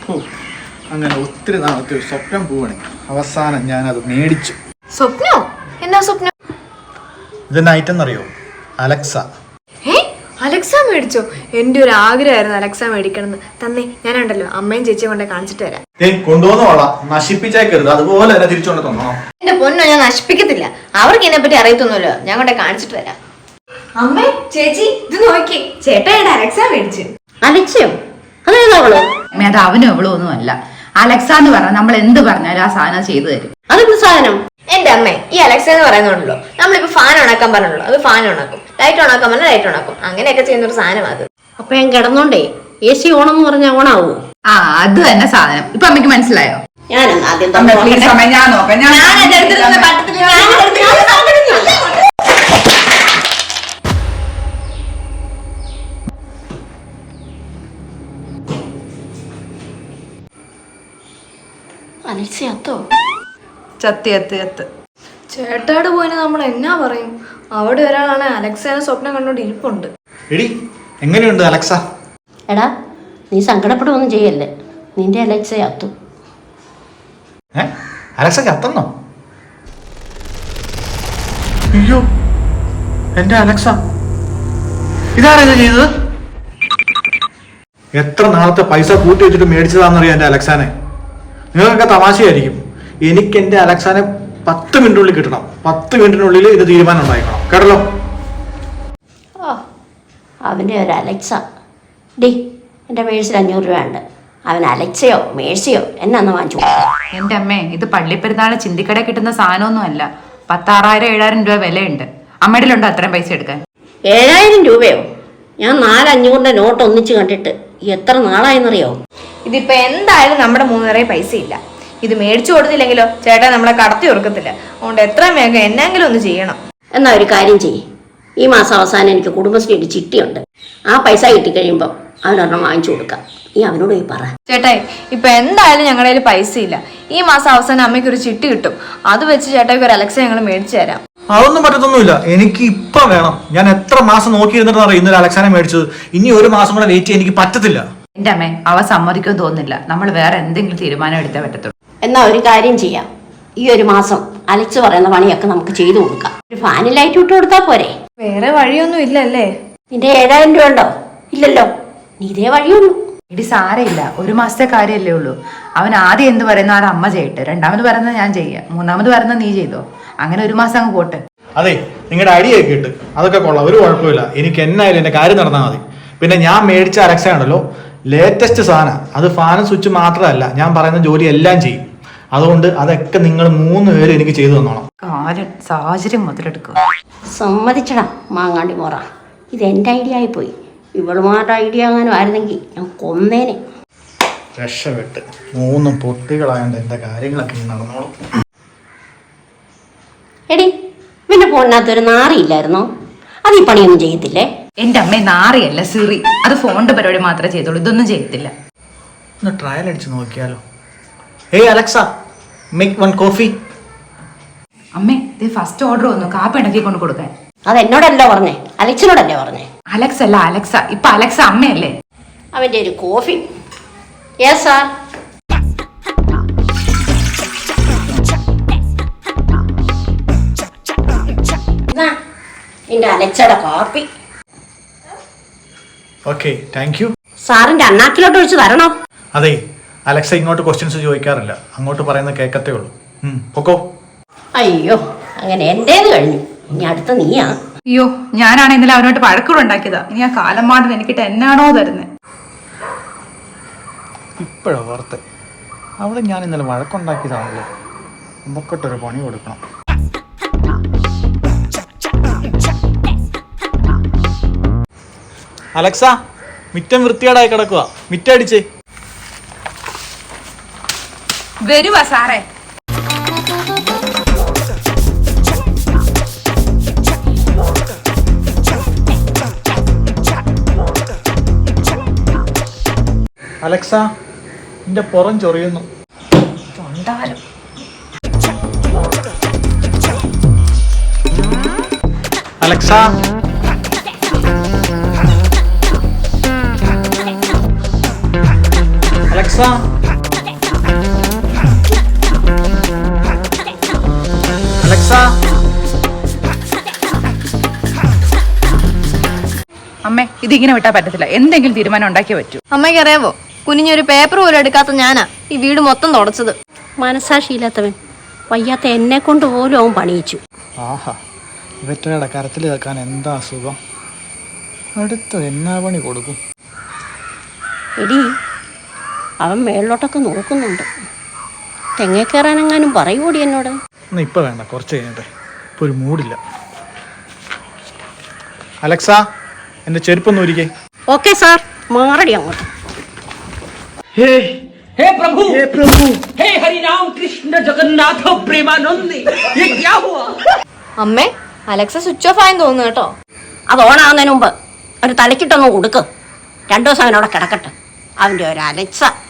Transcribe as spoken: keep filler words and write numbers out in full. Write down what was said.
അങ്ങനെ ഒത്തിരി നാളത്തെ ഒരു സ്വപ്നം പോവാണ്. അവസാനം ഞാനത് മേടിച്ചു. സ്വപ്നോ? എന്നാ സ്വപ്നം? ഇതിന്റെ ഐറ്റം എന്നറിയോ? അലക്സ. അലക്സ മേടിച്ചോ? എന്റെ ഒരു ആഗ്രഹമായിരുന്നു അലക്സ മേടിക്കണമെന്ന്. തന്നെ ഞാനുണ്ടല്ലോ അമ്മയും ചേച്ചിയും കൊണ്ടേ കാണിച്ചിട്ട് വരാം. കൊണ്ടുവന്ന വള നശിപ്പിച്ചേക്കരുത്, അതുപോലെ തന്നെ തിരിച്ചുകൊണ്ട് തന്നോ. എന്റെ പൊന്നോ, ഞാൻ നശിപ്പിക്കത്തില്ല. അവർക്ക് ഇതിനെ പറ്റി അറിയത്തൊന്നുമല്ലോ. ഞാൻ കൊണ്ടേ കാണിച്ചിട്ട് വരാം. അമ്മേ ചേച്ചി ഇത് നോക്കി, ചേട്ടാ അലക്സ മേടിച്ചു. അലക്സയോ? അതേതാവളോ? അത് അവനും അവളും ഒന്നും അല്ല. അലക്സ എന്ന് പറഞ്ഞാൽ നമ്മൾ എന്ത് പറഞ്ഞാലും ആ സാധനം ചെയ്തു തരും. അതെന്ത് സാധനം? എന്റെ അമ്മേ, ഈ അലക്സ എന്ന് പറയുന്നുണ്ടല്ലോ, നമ്മളിപ്പോ ഫാൻ ഓണാക്കാൻ പറഞ്ഞല്ലോ, അത് ഫാൻ ഓണാക്കും. ലൈറ്റ് ഓണാക്കാൻ പറഞ്ഞാൽ ലൈറ്റ് ഓണാക്കും. അങ്ങനെയൊക്കെ ചെയ്യുന്ന ഒരു സാധനം അത്. അപ്പൊ ഞാൻ കിടന്നോണ്ടേ എ സി ഓണം പറഞ്ഞാൽ ഓണാവോ? ആ അത് തന്നെ സാധനം. ഇപ്പൊ അമ്മയ്ക്ക് മനസ്സിലായോ? ഞാൻ ആദ്യം ഞാൻ നോക്കാം. അലക്സയത്തോ? ചത്തി എത്ത് എത്ത് ചേട്ടാട് പോയിന് നമ്മൾ എന്നാ പറയും? അവിടെ ഒരാളാണ് അലക്സേനെ സ്വപ്നം കണ്ടോണ്ട് ഇരിപ്പുണ്ട്. എടി എങ്ങനെയുണ്ട് അലക്സ? എടാ നീ സങ്കടപ്പെടുവൊന്നും ചെയ്യല്ലേ, നിന്റെ അലക്സയത്തു. ഏ അലക്സ ചത്തന്നോ? അയ്യോ എന്റെ അലക്സ, ഇതാരാ ഇത് ചെയ്തത്? എത്ര നാളത്തെ പൈസ കൂട്ടി വെച്ചിട്ട് മേടിച്ചതാണെന്നറിയാം എന്റെ അലക്സാനെ. നിങ്ങൾക്കൊക്കെ തമാശയായിരിക്കും. എനിക്ക് എന്റെ അലക്സാനെ പത്ത് മിനിറ്റിനുള്ളിൽ കിട്ടണം. പത്ത് മിനിറ്റിനുള്ളിൽ ഇത് തീരുമാനം ഉണ്ടായിക്കണം, കേട്ടല്ലോ? ഓ അവൻ്റെ ഒരു അലക്സ. ഡി എൻ്റെ മേഴ്സിൽ അഞ്ഞൂറ് രൂപ ഉണ്ട്. അവൻ അലക്സയോ മേഴ്സിയോ എന്നാന്ന് വാങ്ങിച്ചു. എന്റെ അമ്മേ, ഇത് പള്ളിപ്പെരുന്നാള് ചിന്തിക്കട കിട്ടുന്ന സാധനമൊന്നും അല്ല. പത്താറായിരം ഏഴായിരം രൂപ വിലയുണ്ട്. അമ്മയുടെ ഉണ്ടോ അത്രയും പൈസ എടുക്കാൻ? ഏഴായിരം രൂപയോ? ഞാൻ നാലഞ്ഞൂറിന്റെ നോട്ട് ഒന്നിച്ച് കണ്ടിട്ട് എത്ര നാളായെന്നറിയോ? ഇതിപ്പോ എന്തായാലും നമ്മുടെ മൂന്നുപേരെയും പൈസ ഇല്ല. ഇത് മേടിച്ചു കൊടുത്തില്ലെങ്കിലോ ചേട്ടാ നമ്മളെ കടത്തി ഓർക്കത്തില്ല. അതുകൊണ്ട് എത്രയും വേഗം എന്നെങ്കിലും ഒന്ന് ചെയ്യണം. എന്നാ ഒരു കാര്യം ചെയ്യ്, ഈ മാസം അവസാനം എനിക്ക് കുടുംബശ്രീയുടെ ചിട്ടിയുണ്ട്. ആ പൈസ കിട്ടിക്കഴിയുമ്പോൾ അവനൊരെണ്ണം വാങ്ങിച്ചു കൊടുക്കാം. ഈ അവനോട് പോയി പറ. ചേട്ടായി ഇപ്പൊ എന്തായാലും ഞങ്ങളുടെ കയ്യിൽ പൈസ ഇല്ല. ഈ മാസം അവസാനം അമ്മയ്ക്ക് ഒരു ചിട്ടി കിട്ടും. അത് വെച്ച് ചേട്ടായിക്ക് ഒരു അലക്സ ഞങ്ങൾ മേടിച്ചു തരാം. അതൊന്നും പറ്റത്തൊന്നുമില്ല. എനിക്ക് ഇപ്പൊ വേണം. ഞാൻ എത്ര മാസം നോക്കിയിരുന്നിട്ട് അറിയാം ഇന്നലെ അലക്സാനെ മേടിച്ചത്. ഇനി ഒരു മാസം കൂടെ വെയിറ്റ് ചെയ്യാൻ എനിക്ക് പറ്റത്തില്ല. എന്റെ അമ്മേ, അവ സമ്മതിക്കുമെന്ന് തോന്നുന്നില്ല. നമ്മൾ വേറെ എന്തെങ്കിലും തീരുമാനം എടുത്തേ പറ്റത്തുള്ളൂ. എന്നാ ഒരു കാര്യം ചെയ്യാം, ഈ ഒരു മാസം അലക്സ് പറയുന്ന പണിയൊക്കെ നമുക്ക് ചെയ്തു കൊടുക്കാം. ഒരു ഫാനിൽ ലൈറ്റ് ഇട്ട് കൊടുത്താൽ പോരെ? വേറെ വഴിയൊന്നും ഇല്ലല്ലേ? നിന്റെ ഏഴായിരം രൂപ ഉണ്ടോ? ഇല്ലല്ലോ. നീ ഇതേ വഴിയുള്ളൂ. ഇടി സാരമില്ല, ഒരു മാസത്തെ കാര്യമല്ലേ ഉള്ളൂ. അവൻ ആദ്യം എന്ത് പറയുന്നോ അത് അമ്മ ചെയ്യട്ടെ, രണ്ടാമത് പറയുന്നത് ഞാൻ ചെയ്യാം, മൂന്നാമത് പറയുന്നത് നീ ചെയ്തോ. അങ്ങനെ ഒരു മാസം അങ്ങ് പോട്ടെ. അതെ, നിങ്ങളുടെ അടിയൊക്കെ ഇട്ട് അതൊക്കെ കൊള്ളാം, ഒരു കുഴപ്പമില്ല. എനിക്ക് എന്നായാലും എന്റെ കാര്യം നടന്നാൽ മതി. പിന്നെ ഞാൻ മേടിച്ച അലക്സ ഉണ്ടല്ലോ, ലേറ്റസ്റ്റ് സാധനം. അത് ഫാനും സ്വിച്ച് മാത്രമല്ല, ഞാൻ പറയുന്ന ജോലി എല്ലാം ചെയ്യും. അതുകൊണ്ട് അതൊക്കെ നിങ്ങൾ മൂന്ന് പേരും എനിക്ക് ചെയ്തു തന്നോണം. കാര്യം സാഹചര്യം മുതലെടുക്കുക. സമ്മതിച്ചടാ മാങ്ങാണ്ടി മോറ, ഇത് എൻ്റെ ഐഡിയ ആയിപ്പോയി. ഇവളുമാരുടെ ഐഡിയ അങ്ങനെ ആയിരുന്നെങ്കിൽ ഞാൻ കൊന്നേനെ. രക്ഷപ്പെട്ട് മൂന്ന് പൊട്ടികളായോണ്ട് എന്റെ കാര്യങ്ങളൊക്കെ നടന്നോളും. എടി പിന്നെ ഫോണിനകത്തൊരു നാറിയില്ലായിരുന്നോ? അത് ഈ പണിയൊന്നും ചെയ്യത്തില്ലേ? എന്റെ അമ്മ നാറിയല്ല സിറി. അത് ഫോണിന്റെ പരിപാടി മാത്രമേ ചെയ്തോളൂ, ഇതൊന്നും ചെയ്യത്തില്ല. ഒന്ന് ട്രയൽ അടിച്ച് നോക്കിയാലോ? ഏയ് അലക്സ, മേക്ക് വൺ കോഫി. അമ്മേ, ഇത് ഫസ്റ്റ് ഓർഡർ വന്നു, കാപ്പി ഉണ്ടാക്കി കൊണ്ട് കൊടുക്കാൻ. അത് എന്നോടല്ലോ പറഞ്ഞേ, അലക്സിനോടല്ലേ പറഞ്ഞേ? അലക്സ് അല്ല അലക്സ. ഇപ്പൊ അലക്സ അമ്മയല്ലേ? അവന്റെ ഒരു കോഫി. Yes sir. നിന്റെ അലക്സയുടെ കോഫി. Okay, thank you. സാറിന്റെ അണ്ണാക്കിലോട്ട് ഒഴിച്ച് തരണോ? അതെ, അലക്സ ഇങ്ങോട്ട് ക്വസ്റ്റ്യൻസ് ചോദിക്കാറില്ല, അങ്ങോട്ട് പറയുന്ന കേക്കത്തേ ഉള്ളൂ. പൊക്കോ. അയ്യോ, അങ്ങനെ എന്റേത് കഴിഞ്ഞു. ഇനി അടുത്ത നീയാ. അയ്യോ, ഞാനാണ് ഇന്നലെ അവനോട്ട് പഴക്കൂടെ ഉണ്ടാക്കിയതാ. ഇനി ആ കാലം മാടൻ എനിക്കിട്ട് എന്നാണോ തരുന്നത്. ഇപ്പോഴാ ഓർത്ത്, അവിടെ ഞാൻ ഇന്നലെ വഴക്കുണ്ടാക്കിയതാണല്ലോ. നമുക്കിട്ടൊരു പണി കൊടുക്കണം. അലക്സ, മിറ്റം വൃത്തികേടായി കിടക്കുക, മിറ്റടിച്ചേ. വരുവാ സാറേ. അലക്സ, എന്റെ പുറം ചൊറിയുന്നു. Alexa, Alexa. അലക്സ, അമ്മേ ഇതിങ്ങനെ വിട്ടാൽ പറ്റത്തില്ല, എന്തെങ്കിലും തീരുമാനം ഉണ്ടാക്കിയേ പറ്റൂ. അമ്മയ്ക്ക് അറിയാവോ, കുനിഞ്ഞൊരു പേപ്പർ പോലും എടുക്കാത്ത ഞാനാ ഈ വീട് മൊത്തം തുടച്ചത്. മനസാക്ഷിയില്ലാത്തവൻ വയ്യാത്ത എന്നെ കൊണ്ട് പോലും അവൻ പണിയിച്ചു. ആഹാ, ഇവറ്റയുടെ കരത്തിൽ കേൾക്കാൻ എന്താ സുഖം. അടുത്ത് എന്നാ പണി കൊടുക്കും? എടി, അവൻ മേളിലോട്ടൊക്കെ നോക്കുന്നുണ്ട്. തെങ്ങേ കയറാനെങ്ങാനും പറയൂടി എന്നോട്. എന്നാ ഇപ്പം വേണ്ട, കുറച്ച് കഴിഞ്ഞിട്ടെ. ഇപ്പം ഒരു മൂടില്ല. അലക്സ, എൻ്റെ ചെരുപ്പൊന്നും ഒരിക്കേ. ഓക്കെ സാർ, മാറടി അങ്ങോട്ട്. हे हे प्रभु हे प्रभु हे हरि राम कृष्ण जगन्नाथ प्रेमानंद, ये क्या हुआ? അമ്മേ, അലക്സ സ്വിച്ച് ഓഫ് ആയെന്ന് തോന്നുന്നു കേട്ടോ. അത് ഓണാവുന്നതിന് മുമ്പ് ഒരു തലക്കിട്ടൊന്ന് കൊടുക്ക്. രണ്ടു ദിവസം അവനവിടെ കിടക്കട്ടെ. അവൻ്റെ ഒരു അലക്സ.